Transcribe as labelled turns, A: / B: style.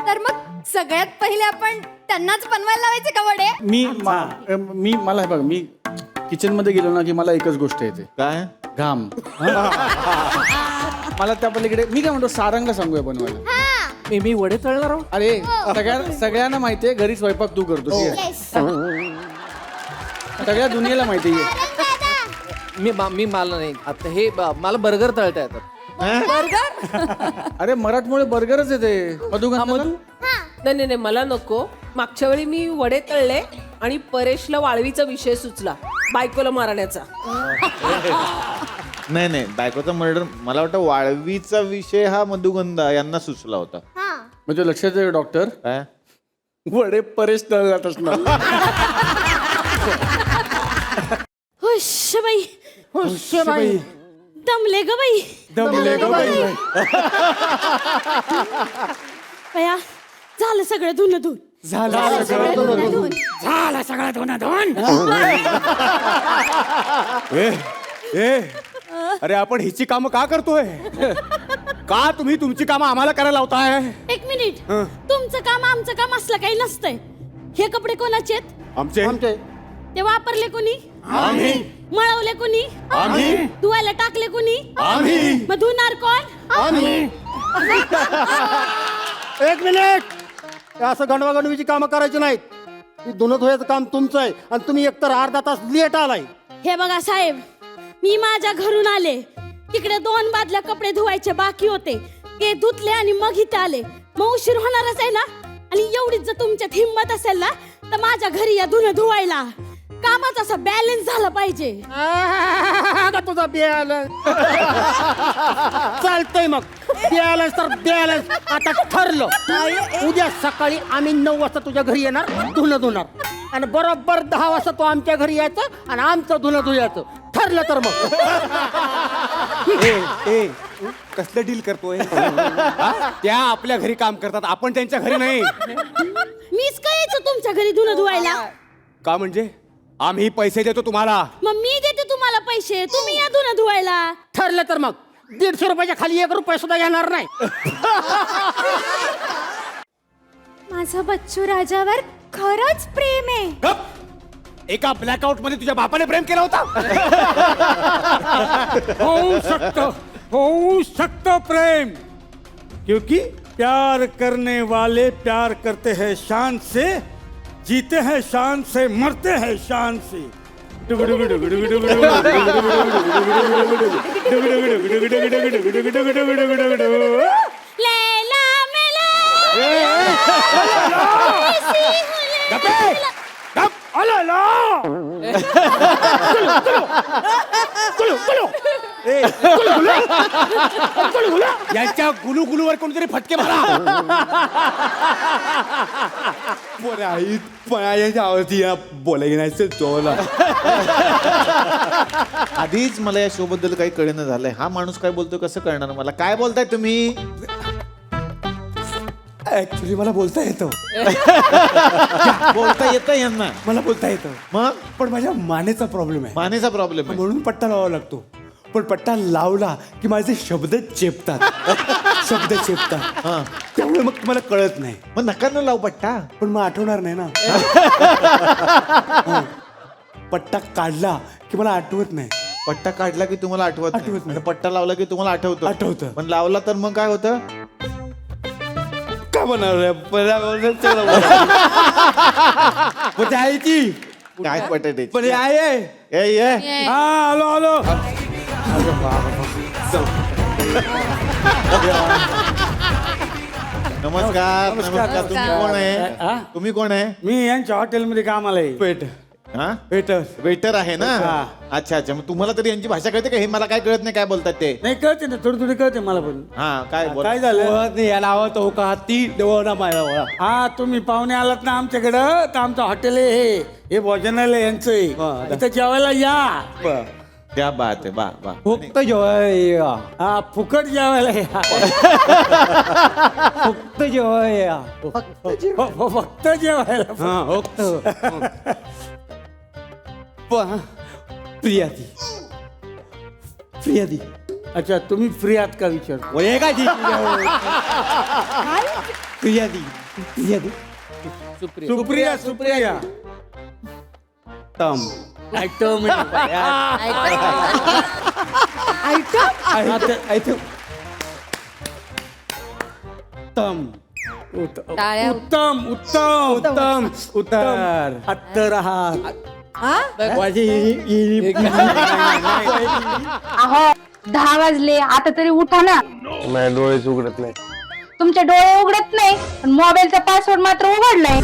A: तर मग सगळ्यात पहिले आपण त्यांनाच बनवायला लावायचे का वडे?
B: मी मला हे बघ, मी किचन मध्ये गेलो ना की मला एकच गोष्ट येते,
C: काय
B: घाम. मला त्या पलीकडे मी काय म्हणतो, सारंग सांगूया बनवायला.
D: मी वडे तळणार आहो.
B: अरे सगळ्यांना माहितीये घरी स्वयंपाक तू करतो, ठीक आहे? सगळ्या दुनियेला माहिती आहे.
D: मी मला नाही आता हे मला बर्गर तळता येतात.
B: अरे मराठमोळे बर्गरच येते. मधु
E: नाही नाही मला नको. मागच्या वेळी मी वडे तळले आणि परेशला वाळवीचा विषय सुचला बायकोला मारण्याचा.
C: नाही नाही, बायकोचा मर्डर मला वाटतं वाळवीचा विषय हा मधुगंधा यांना सुचला होता.
B: म्हणजे लक्षात आहे डॉक्टर,
C: काय
B: वडे परेश तळ जात असणार.
F: हुश बाई दमले ग बाई. बया झालं सगळं धुन धुन.
A: झालं
G: सगळं धुन. अरे आपण हिची कामं का करतोय? का तुम्ही तुमची कामं आम्हाला करायला लावताय?
F: एक मिनिट, तुमचं काम आमचं काम असलं काही नसतंय. हे कपडे कोणाचे आहेत?
G: आमचे
F: ते वापरले कोणी?
G: आम्ही
F: मळवले कोणी?
G: आम्ही
F: धुवायला टाकले कोणी?
G: आम्ही
F: मग धुणार कोण?
G: आम्ही एक मिनिट, हे असं गणवागणवीची कामं करायची नाहीत. ही धुणं धुयाचं काम तुमचं आहे आणि तुम्ही एकतर अर्धा तास लेट आलाय.
F: हे बघा साहेब, मी माझ्या घरून आले, तिकडे 2 बादल्या कपडे धुवायचे बाकी होते, ते धुतले आणि मग इथे आले. मग उशीर होणारच आहे ना. आणि एवढीच जर तुमच्यात हिंमत असेल ना तर माझ्या घरी या धुणं धुवायला. कामाचा असा बॅलन्स झाला पाहिजे.
G: आता तुझा बॅलन्स चालतंय. मग बॅलन्स तर बॅलन्स आता ठरलं. उद्या सकाळी आम्ही 9 वाजता तुझ्या घरी येणार, धुणं धुणार आणि बरोबर 10 वाजता तू आमच्या घरी यायचं आणि आमचं धुणं धुयाचं. ठरलं तर मग. कसलं डील करतोय? त्या आपल्या घरी काम करतात, आपण त्यांच्या घरी नाही.
F: मीच काय यायचं तुमच्या घरी धुणं धुवायला?
G: का म्हणजे आम्ही पैसे देतो तुम्हाला.
F: मग मी देते तुम्हाला पैसे, तुम्ही या धुणं धुवायला.
G: ठरलं तर मग 150 रुपयाच्या खाली 1 रुपया सुद्धा येणार नाही.
A: माझं बच्चू राजावर खरंच प्रेम आहे.
G: गप! एका ब्लॅकआउट मध्ये तुझ्या बापाने प्रेम केला होता.
H: हो सकता प्रेम, क्योंकि प्यार करने वाले प्यार करते हैं शान से, जीते हैं शान से, मरते हैं शान से.
F: लैला मेला
G: यांच्या गुलू गुलूवर कोणतरी फटके मारा. बोलायला नाही चोला.
C: आधीच मला या शो बद्दल काही कळेना झालंय. हा माणूस काय बोलतोय कसं कळणार मला? काय बोलताय तुम्ही?
G: ऍक्च्युली मला बोलता येतं.
C: बोलता येतं यांना?
G: मला बोलता येतं
C: मग
G: पण माझ्या मानेचा प्रॉब्लेम आहे.
C: मानेचा प्रॉब्लेम आहे
G: म्हणून पट्टा लावावा लागतो. पण पट्टा लावला की माझे शब्द चेपतात. शब्द चेपतात. त्यामुळे मग तुम्हाला कळत नाही.
C: मग नका न लावू पट्टा.
G: पण मग आठवणार नाही ना. पट्टा काढला की मला आठवत नाही.
C: पट्टा काढला की तुम्हाला आठवत
G: आठवत नाही.
C: आणि पट्टा लावला की तुम्हाला आठवतं.
G: आठवतं.
C: पण लावला तर मग काय होतं?
G: का बनवलं ती
C: काय पटाटे
G: पण आहे.
C: ये
H: हाँ आलो आलो.
C: नमस्कार. नमस्कार. तुम्ही कोण आहे? तुम्ही कोण आहे?
H: मी यांच्या हॉटेलमध्ये कामाला आहे.
G: पेट
C: हा,
G: वेटर.
C: वेटर आहे ना?
H: हा.
C: अच्छा अच्छा. मग तुम्हाला तरी यांची भाषा कळते का? हे मला काय कळत नाही काय बोलतात ते.
H: नाही कळते ना, थोडी थोडी कळते मला पण.
C: हा काय बोल.
H: काय झालं?
G: याला आवडतो हो का ती देवना माया.
H: हा तुम्ही पाहुणे आलात ना आमच्याकडं, तर आमचं हॉटेल आहे हे भोजनालय यांचं आहे. इथं जेवायला या.
C: क्या बात आहे. बा बा.
G: फक्त जेवाय.
H: हा फुकट जेवायला या.
G: फक्त जेवाय.
H: फक्त जेवायला.
G: प्रियादी. प्रियादी.
H: अच्छा तुम्ही फ्री आहात का विचार?
G: काय तुझ्या दी तुझ्या दी
H: सुप्रिया सुप्रिया
G: तम तम
A: टाळ्या
H: उत्तम उत्तम उत्तम उत्तर
G: अत्तर आहात
A: हा?
I: अहो 10 वाजले आता तरी उठा ना.
J: माझ्या डोळेच उघडत नाही.
I: तुमचे डोळे उघडत नाही पण मोबाईलचा पासवर्ड मात्र उघडलाय.